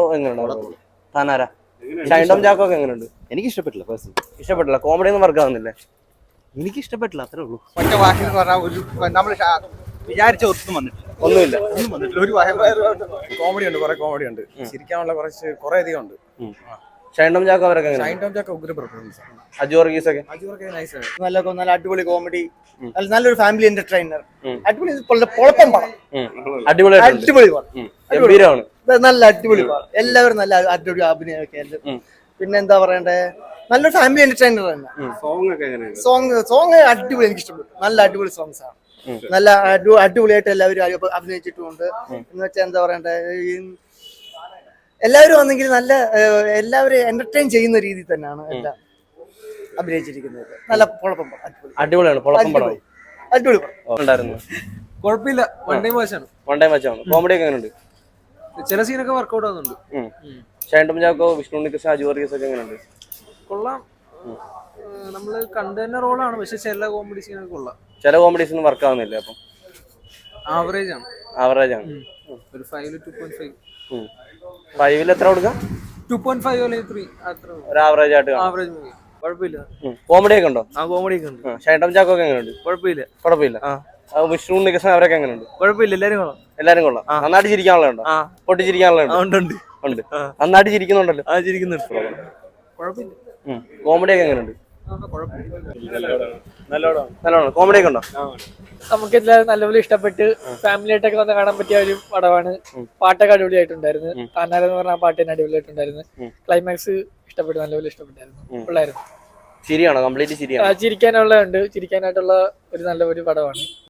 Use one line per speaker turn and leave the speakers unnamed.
എങ്ങനെയുണ്ട്? താനാരാ? ഷൈൻ ടോം ചാക്കോ ഒക്കെ എങ്ങനെയുണ്ട്?
എനിക്ക് ഇഷ്ടപ്പെട്ടില്ല.
ഇഷ്ടപ്പെട്ടില്ല. കോമഡി ഒന്നും വർക്ക് ആവുന്നില്ലേ?
എനിക്ക് ഇഷ്ടപ്പെട്ടില്ല, അത്രേ ഉള്ളൂ.
ഒറ്റ വാക്കിൽ പറഞ്ഞാൽ ഒരു നമ്മൾ വിചാരിച്ച ഒന്നും
ഒന്നുമില്ല.
ഒരു കോമഡി ഉണ്ട്, കുറെ കോമഡി ഉണ്ട്, ചിരിക്കാനുള്ള കുറെ അധികം ഉണ്ട്.
ഷൈൻ ടോം ചാക്കോ അവരൊക്കെ
ഷൈൻ ടോം ചാക്കോ ഉഗ്ര പെർഫോമൻസ്.
അജു വർഗീസ് ഒക്കെ
നല്ല അടിപൊളി കോമഡി, നല്ലൊരു ഫാമിലി എന്റർടൈനർ, അടിപൊളി പൊളപ്പം പടം, അടിപൊളി
ഗംഭീരമാണ്.
നല്ല അടിപൊളി പടം, എല്ലാവരും നല്ല അടിപൊളി അഭിനയമൊക്കെ. പിന്നെ എന്താ പറയണ്ടേ, നല്ലൊരു ഫാമിലി എന്റർടൈനർ തന്നെ. സോങ് അടിപൊളി, എനിക്ക് ഇഷ്ടപ്പെട്ടു. നല്ല അടിപൊളി സോങ്സ് ആണ്, നല്ല അടിപൊളിയായിട്ട് എല്ലാവരും അഭിനയിച്ചിട്ടുമുണ്ട്. എന്ന് വെച്ചാൽ എന്താ പറയണ്ടേ, എല്ലാവരും വന്നെങ്കിൽ നല്ല എല്ലാവരും എന്റർടൈൻ ചെയ്യുന്ന രീതിയിൽ തന്നെയാണ് എല്ലാം അഭിനയിച്ചിരിക്കുന്നത്. നല്ല പൊളപ്പം പടം,
അടിപൊളിയാണ്.
അടിപൊളി
ഉണ്ടായിരുന്നു.
കുഴപ്പമില്ല, വൺ ടൈം വാച്ചാണ്.
കോമഡി ഒക്കെ എങ്ങനെയുണ്ട്?
ചില സീനൊക്കെ വർക്ക്ഔട്ട് ആവുന്നുണ്ട്.
ഷൈൻ ടോം ചാക്കോ, വിഷ്ണു ഉണ്ണികൃഷ്ണൻ, അജു വർഗീസ് ഒക്കെ എങ്ങനെയുണ്ട്?
കൊള്ളാം. നമ്മള് കണ്ടു തന്നെ റോളാണ്, പക്ഷെ ചില കോമഡി സീനൊക്കെ കൊള്ളാം.
ചില കോമഡീസ് ഒന്നും വർക്ക് ആവുന്നില്ല. അപ്പം
ആവറേജ് ആണ്.
ഒരു
5 2.5.
5 എത്ര കൊടുക്കാം?
2.5 അല്ലെങ്കിൽ 3 അത്ര.
ഒരു ആവറേജ് ആയിട്ട്
ആവറേജ് മൂവി. കുഴപ്പമില്ല.
കോമഡി ഒക്കെ ഉണ്ടോ?
കോമഡി ഒക്കെ ഉണ്ട്.
ഷൈൻ ടോം ചാക്കോ ഒക്കെ എങ്ങനെയുണ്ട്?
കുഴപ്പമില്ല.
വിഷ്ണു ഉണ്ണികൃഷ്ണൻ അവരൊക്കെ എങ്ങനെയുണ്ട്?
കുഴപ്പമില്ല,
എല്ലാരും കൊള്ളാം. നന്നായിട്ട് ചിരിക്കാനുള്ളതുണ്ടോ? പൊട്ടിച്ചിരിക്കാനുള്ളതുണ്ട്. ഉണ്ട്. നന്നായിട്ട് ചിരിക്കുന്നുണ്ടല്ലോ.
കുഴപ്പമില്ല.
കോമഡി ഒക്കെ എങ്ങനെയുണ്ട്? നല്ലോണം. കോമഡി ഒക്കെ ഉണ്ടോ?
നമുക്ക് എല്ലാവരും നല്ലപോലെ ഇഷ്ടപ്പെട്ട് ഫാമിലി ആയിട്ടൊക്കെ വന്ന് കാണാൻ പറ്റിയ ഒരു പടമാണ്. പാട്ടൊക്കെ അടിപൊളിയായിട്ടുണ്ടായിരുന്നു. താനാരെന്ന് പറഞ്ഞ ആ പാട്ട് തന്നെ അടിപൊളിയായിട്ടുണ്ടായിരുന്നു. ക്ലൈമാക്സ് ഇഷ്ടപ്പെട്ടു, നല്ലപോലെ ഇഷ്ടപ്പെട്ടായിരുന്നു. പിള്ളേരും
ചിരിയാണോ? കംപ്ലീറ്റ് ചിരിയാണോ?
ചിരിക്കാനുള്ളതുണ്ട്. ചിരിക്കാനായിട്ടുള്ള ഒരു നല്ല ഒരു പടമാണ്.